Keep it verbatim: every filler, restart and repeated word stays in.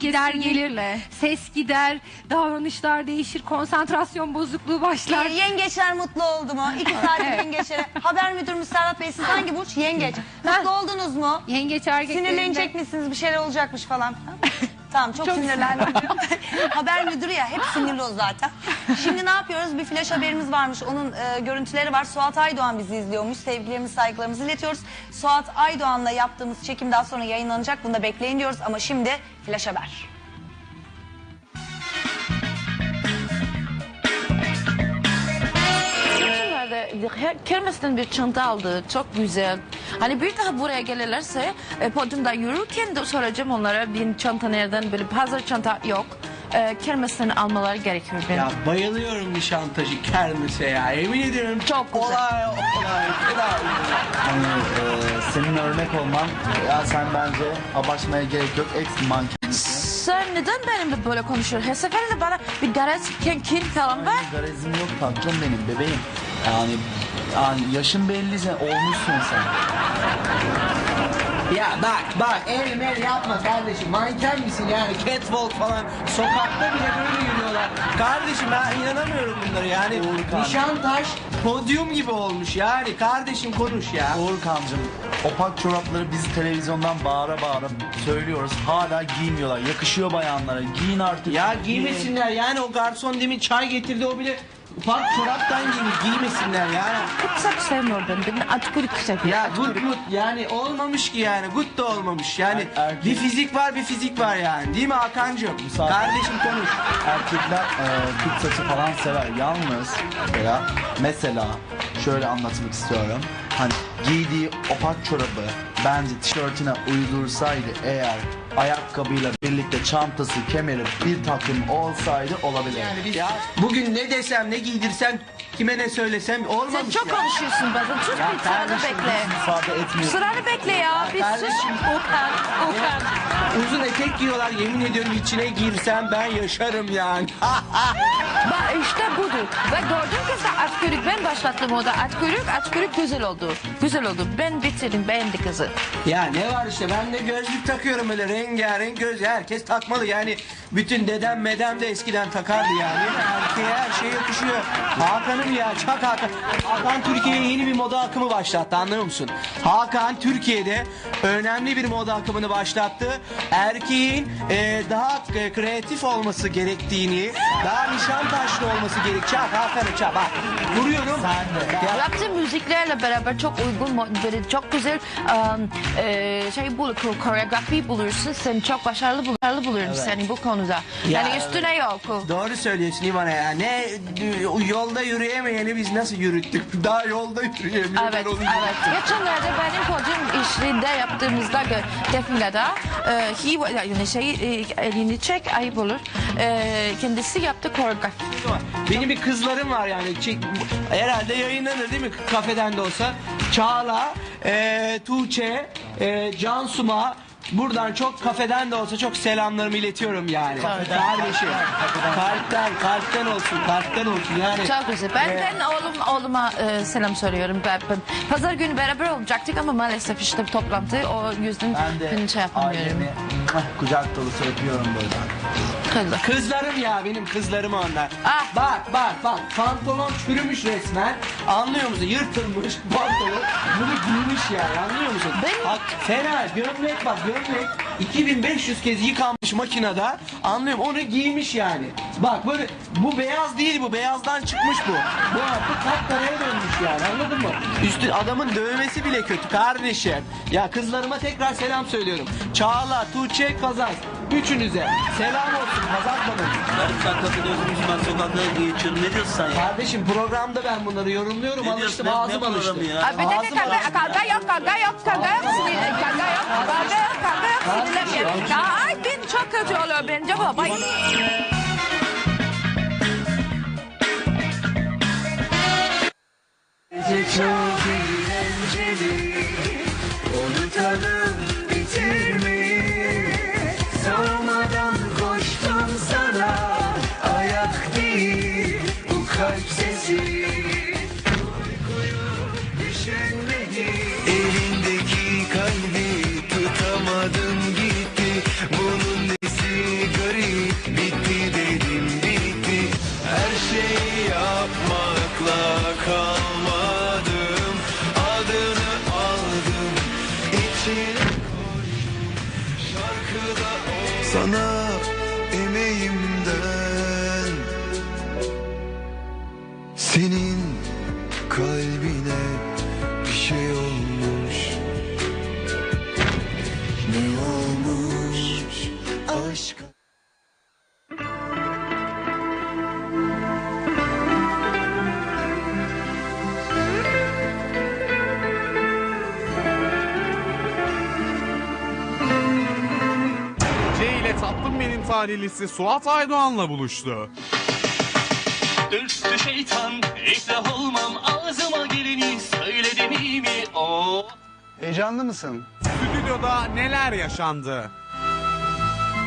gider gelir, Kesinlikle. ses gider, davranışlar değişir, konsantrasyon bozukluğu başlar. Ee, yengeçler mutlu oldu mu? İki saatlik yengeçlere. Haber müdürümüz Serhat Bey, siz hangi burç? Yengeç. Mutlu oldunuz mu? Yengeç erkeklerinde... Sinirlenecek misiniz? Bir şeyler olacakmış falan. Tamam, çok, Çok sinirlendim. Haber müdürü ya, hep sinirli o zaten. Şimdi ne yapıyoruz? Bir flash haberimiz varmış. Onun e, görüntüleri var. Suat Aydoğan bizi izliyormuş. Sevgilerimizi, saygılarımızı iletiyoruz. Suat Aydoğan'la yaptığımız çekim daha sonra yayınlanacak. Bunu da bekleyin diyoruz. Ama şimdi flash haber. Kermes'ten bir çanta aldı. Çok güzel. Hani bir daha buraya gelirlerse e, podyumda yürürken de soracağım onlara bir çanta nereden, böyle hazır çanta yok. E, Kermes'ten almaları gerekiyor benim. Ya bayılıyorum Nişantaşı kermese ya. Emin ediyorum Çok güzel. olay olay. Hani e, senin örnek olman, ya sen bence abartmaya gerek yok, ex manken. Sen neden benimle böyle konuşuyorsun? Her seferinde bana bir garaj kin falan ver. Garezim yok tatlım benim bebeğim. Yani, yani yaşın belli, sen olmuşsun sen. Ya bak bak el mel yapma kardeşim. Manken misin yani? Catwalk falan. Sokakta bile böyle yürüyorlar. Kardeşim ben inanamıyorum bunlara yani. Uğurkan. Nişantaş podyum gibi olmuş yani. Kardeşim konuş ya. Uğurkancığım, opak çorapları biz televizyondan bağıra bağıra söylüyoruz. Hala giymiyorlar. Yakışıyor bayanlara. Giyin artık. Ya Giyin. giymesinler yani, o garson demin çay getirdi, o bile ufak çoraptan giymiş, giymesinler yani. Çok sevmiyorum ben. Ben atkırık seviyorum. Ya good good yani olmamış ki yani, good da olmamış yani, Er- erkek- bir fizik var bir fizik var yani, değil mi Hakan'cığım? Müsaade. Kardeşim konuş. Erkekler e, kıt saçı falan sever. Yalnız mesela, mesela şöyle anlatmak istiyorum. Hani giydiği opak çorabı bence tişörtüne uydursaydı eğer, ayakkabıyla birlikte çantası, kemeri bir takım olsaydı olabilir. Yani biz ya bugün ne desem, ne giydirsem, kime ne söylesem Sen olmamış çok ya. konuşuyorsun bazen. Sus Ya bir sıranı kardeşim, bekle. İfade etmiyor. Sıranı bekle ya. Bir sus. kardeşim. Okan, Okan. Uzun etek giyiyorlar, yemin ediyorum içine girsem ben yaşarım yani. Bak işte budur. Ve gördüğün kızda atkörük, ben başlattım o da atkörük, atkörük güzel oldu. Güzel oldu. Ben bitirdim, beğendi kızı. Ya ne var işte, ben de gözlük takıyorum, öyle rengarenk göz, herkes takmalı yani. Bütün dedem medem de eskiden takardı yani. Erkeğe her şey yakışıyor. Hakan'ım ya, çak Hakan. Hakan Türkiye'ye yeni bir moda akımı başlattı, anlıyor musun? Hakan Türkiye'de önemli bir moda akımını başlattı. Erkeğin e, daha e, kreatif olması gerektiğini, daha Nişantaşlı olması gerek. Çak Hakan'ı çak, bak. Vuruyorum. Ya, Yaptığı müziklerle beraber çok uygun, mo- böyle çok güzel um, e, şey bul, koreografi bulursun. Sen çok başarılı, bul- başarılı buluyorum seni bu konuda. Ya, Yani üstüne yok. doğru söylüyorsun İvana ya. Ne yolda yürüyemeyeni biz nasıl yürüttük? Daha yolda yürüyemiyor. Evet, Ben onu evet. Geçenlerde benim podyum işinde yaptığımızda gö- defilede e, he, yani şey e, elini çek ayıp olur. E, kendisi yaptı koreografi. Benim bir kızlarım var yani. Çek, herhalde yayınlanır değil mi? Kafeden de olsa. Çağla, e, Tuğçe, e, Cansum'a buradan çok, kafeden de olsa çok selamlarımı iletiyorum yani. Kardeşim. Kalpten, kalpten olsun, kalpten olsun yani. Çok güzel. Ben, e, ben oğlum, oğluma e, selam söylüyorum. Ben, ben, pazar günü beraber olacaktık ama maalesef işte toplantı, o yüzden Ben de gün şey yapamıyorum. ailemi mwah, kucak dolusu öpüyorum böyle. Kızım. Kızlarım ya, benim kızlarım onlar. Ah. Bak bak bak, pantolon çürümüş resmen. Anlıyor musun? Yırtılmış pantolon. Bunu giymiş yani, anlıyor musun? Ben- Bak, fena gömlek, bak gömlek iki bin beş yüz kez yıkanmış makinede. Anlıyorum, onu giymiş yani. Bak böyle, bu beyaz değil, bu beyazdan çıkmış bu. Bu artık kapkaraya dönmüş yani, anladın mı? Üstü adamın dövmesi bile kötü kardeşim. Ya kızlarıma tekrar selam söylüyorum. Çağla, Tuğçe, Kazaz. Üçünüze selam olsun Kazaz Hanım. Yarım saat kafede oturmuşum, ben sokakta geçiyorum. Ne diyorsun sen ya? Kardeşim programda ben bunları yorumluyorum, Ne alıştım, diyorsun? Ne- ağzım ne alıştı. programı ya? Abi bir dakika, Ağzım kavga, alıştı. kavga yok, kavga yok, kavga yok, sinir- kavga yok, kavga yok, kavga yok, sinirlenmiyorum. Ya ay ben çok kötü oluyor bence baba. Çok eğlenceli, unutalım bitirmeyi. Sormadan koştum sana, ayak değil bu kalp sesi. Uykuyu düşünmedi, elindeki kalbi tutamadın gitti. Bunun nesi sana emeğimden. Senin kalbine bir şey olmuş. Ne olmuş aşk? C ile Tatlım Benim talihlisi Suat Aydoğan'la buluştu. Dürstü şeytan, iflah olmam, ağzıma geleni söyledim iyi mi o? Heyecanlı mısın? Stüdyoda neler yaşandı?